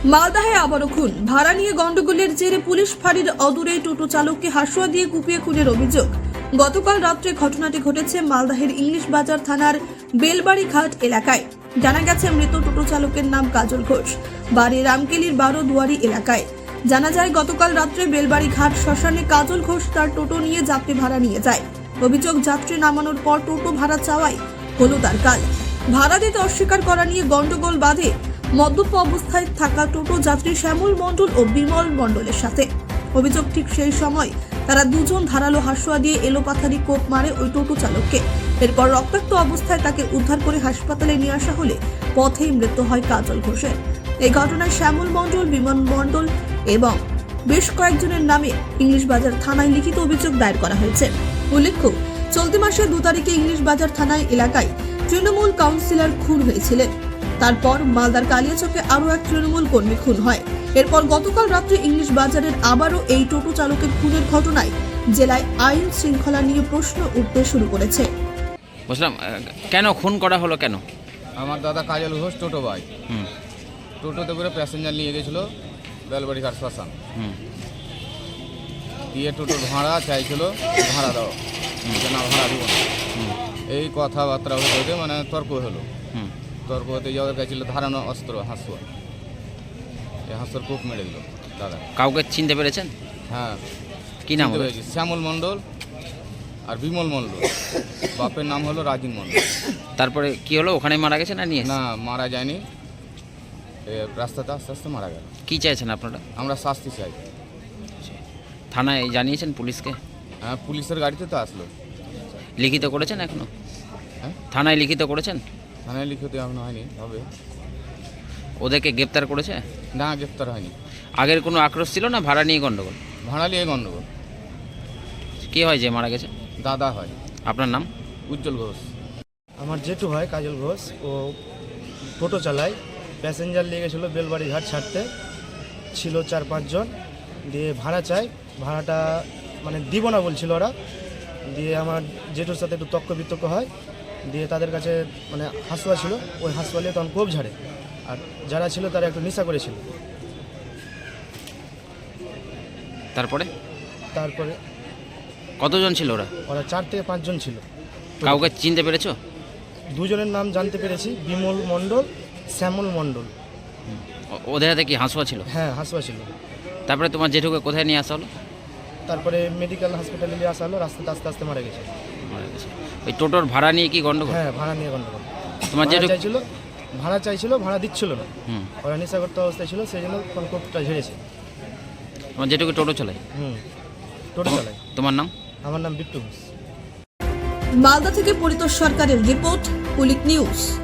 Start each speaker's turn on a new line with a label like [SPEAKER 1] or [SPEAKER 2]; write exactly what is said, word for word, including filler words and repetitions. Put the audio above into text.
[SPEAKER 1] মালদাহে আবারও খুন। ভাড়া নিয়ে গন্ডগোলের জেরে পুলিশ ফাঁড়ির অদূরে টোটো চালককে হাসুয়া দিয়ে কুপিয়ে খুনের অভিযোগ। গতকাল রাত্রে ঘটনাটি ঘটেছে মালদাহের ইংলিশ বাজার থানার বেলবাড়ি ঘাট এলাকায়। জানা গেছে মৃত টোটো চালকের নাম কাজল ঘোষ, বাড়ি রামকেলির বারো দুয়ারি এলাকায়। জানা যায় গতকাল রাত্রে বেলবাড়ি ঘাট শ্মশানে কাজল ঘোষ তার টোটো নিয়ে যাত্রী ভাড়া নিয়ে যায়। অভিযোগ, যাত্রী নামানোর পর টোটো ভাড়া চাওয়াই হলো তার কাল। ভাড়া দিতে অস্বীকার করা নিয়ে গন্ডগোল বাধে মদ্যপ অবস্থায় থাকা টোটো যাত্রী শ্যামল মণ্ডল ও বিমল মণ্ডলের সাথে। অভিযোগ, ঠিক সেই সময় তারা দুজন ধারালো হাসুয়া দিয়ে এলোপাথারি কোপ মারে ওই টোটো চালককে। এরপর রক্তাক্ত অবস্থায় তাকে উদ্ধার করে হাসপাতালে নিয়ে আসা হলে পথেই মৃত্যু হয় কাজল ঘোষের। এই ঘটনায় শ্যামল মণ্ডল, বিমল মণ্ডল এবং বেশ কয়েকজনের নামে ইংলিশ বাজার থানায় লিখিত অভিযোগ দায়ের করা হয়েছে। উল্লেখ্য, চলতি মাসের দু তারিখে ইংলিশ বাজার থানায় এলাকায় তৃণমূল কাউন্সিলর খুন হয়েছিলেন। তারপর মালদার কালিয়াচকে আরও এক তৃণমূল কর্মী খুন হয়। এরপর গতকাল রাত্রে ইংলিশ বাজারের আবারও এই টোটো চালকের খুনের ঘটনায় জেলায় আইন শৃঙ্খলা নিয়ে প্রশ্ন উঠতে শুরু করেছে।
[SPEAKER 2] বুঝলাম, কেন খুন করা হলো কেন?
[SPEAKER 3] আমার দাদা কাজল ঘোষ টোটো ভাই টোটোতে করে প্যাসেঞ্জার নিয়ে গেছিলো বেলবাড়ি ঘাট শ্মশান। দিয়ে টোটোর ভাড়া চাইছিল, ভাড়া দাও, না ভাড়া দিব না, এই কথাবার্তা হতে মানে তর্ক হলো। তর্ক হতে যাওয়া গেছিল ধারানো অস্ত্র হাসুয়া, এই হাসুয়ার কূপ মেরে দিল দাদা।
[SPEAKER 2] কাউকে চিনতে পেরেছেন?
[SPEAKER 3] হ্যাঁ,
[SPEAKER 2] কি নাম?
[SPEAKER 3] শ্যামল মণ্ডল আর বিমল মণ্ডল। বাপের নাম হলো রাজিন মণ্ডল।
[SPEAKER 2] তারপরে কি হলো? ওখানে মারা গেছে না নিয়ে?
[SPEAKER 3] না, মারা যায়নি, রাস্তাতে আস্তে আস্তে মারা গেল।
[SPEAKER 2] কি চাইছেন আপনারা?
[SPEAKER 3] আমরা শাস্তি চাই।
[SPEAKER 2] থানায় জানিয়েছেন পুলিশকে?
[SPEAKER 3] হ্যাঁ, পুলিশের গাড়িতে তো আসলো।
[SPEAKER 2] লিখিত করেছেন এখনো?
[SPEAKER 3] হ্যাঁ,
[SPEAKER 2] থানায় লিখিত করেছেন?
[SPEAKER 3] থানায় লিখিত এখনো হয়নি, হবে।
[SPEAKER 2] ওদেরকে গ্রেপ্তার করেছে?
[SPEAKER 3] না, গ্রেপ্তার হয়নি।
[SPEAKER 2] আগের কোনো আক্রোশ ছিল না ভাড়া নিয়ে গন্ডগোল?
[SPEAKER 3] ভাড়া নিয়ে গন্ডগোল।
[SPEAKER 2] কি হয় যে মারা গেছে?
[SPEAKER 3] দাদা হয়।
[SPEAKER 2] আপনার নাম?
[SPEAKER 3] উজ্জ্বল ঘোষ।
[SPEAKER 4] আমার জেঠু হয় কাজল ঘোষ। ও টোটো চালায়, প্যাসেঞ্জার নিয়ে গেছিলো বেলবাড়ি ঘাট ছাড়তে, ছিল চার পাঁচজন। দিয়ে ভাড়া চাই, ভাড়াটা মানে দিব না বলছিল ওরা। দিয়ে আমার জেঠুর সাথে একটু তর্ক বিতর্ক হয়। দিয়ে তাদের কাছে মানে হাসুয়া ছিল, ওই হাসুয়া নিয়ে তখন কোপ ঝাড়ে। আর যারা ছিল তারা একটু নেশা করেছিল।
[SPEAKER 2] তারপরে
[SPEAKER 4] তারপরে
[SPEAKER 2] কতজন ছিল ওরা?
[SPEAKER 4] ওরা চার থেকে পাঁচজন ছিল।
[SPEAKER 2] কাউকে চিনতে পেরেছো?
[SPEAKER 4] দুজনের নাম জানতে পেরেছি, বিমল মণ্ডল, শ্যামল মণ্ডল।
[SPEAKER 2] ও- ওদের হাতে কি হাসুয়া ছিল?
[SPEAKER 4] হ্যাঁ, হাসুয়া ছিল।
[SPEAKER 2] তারপরে তোমার জেঠুকে কোথায় নিয়ে আসা হলো?
[SPEAKER 4] তারপরে মেডিকেল হসপিটালে নিয়ে আসা হলো, রাস্তাতে আস্তে আস্তে মারা গেছে।
[SPEAKER 2] মারা গেছে। ওই টোটোর ভাড়া নিয়ে কি গন্ডগোল?
[SPEAKER 4] হ্যাঁ, ভাড়া নিয়ে গন্ডগোল।
[SPEAKER 2] তোমার
[SPEAKER 4] ভাড়া
[SPEAKER 2] জেঠু?
[SPEAKER 4] চাইছিল, ভাড়া চাইছিল, ভাড়া দিচ্ছিল না।
[SPEAKER 2] হুম।
[SPEAKER 4] ওরা নেশাগ্রস্ত অবস্থায় ছিল, সেই জন্য কোপটা ঝেড়েছে।
[SPEAKER 2] তোমার জেঠুকে টোটো চালায়?
[SPEAKER 4] হুম, টোটো চালাই।
[SPEAKER 2] তোমার নাম?
[SPEAKER 4] আমার নাম বিট্টু ঘোষ।
[SPEAKER 1] মালদা থেকে পরিতোষ সরকারের রিপোর্ট, কুলিক নিউজ।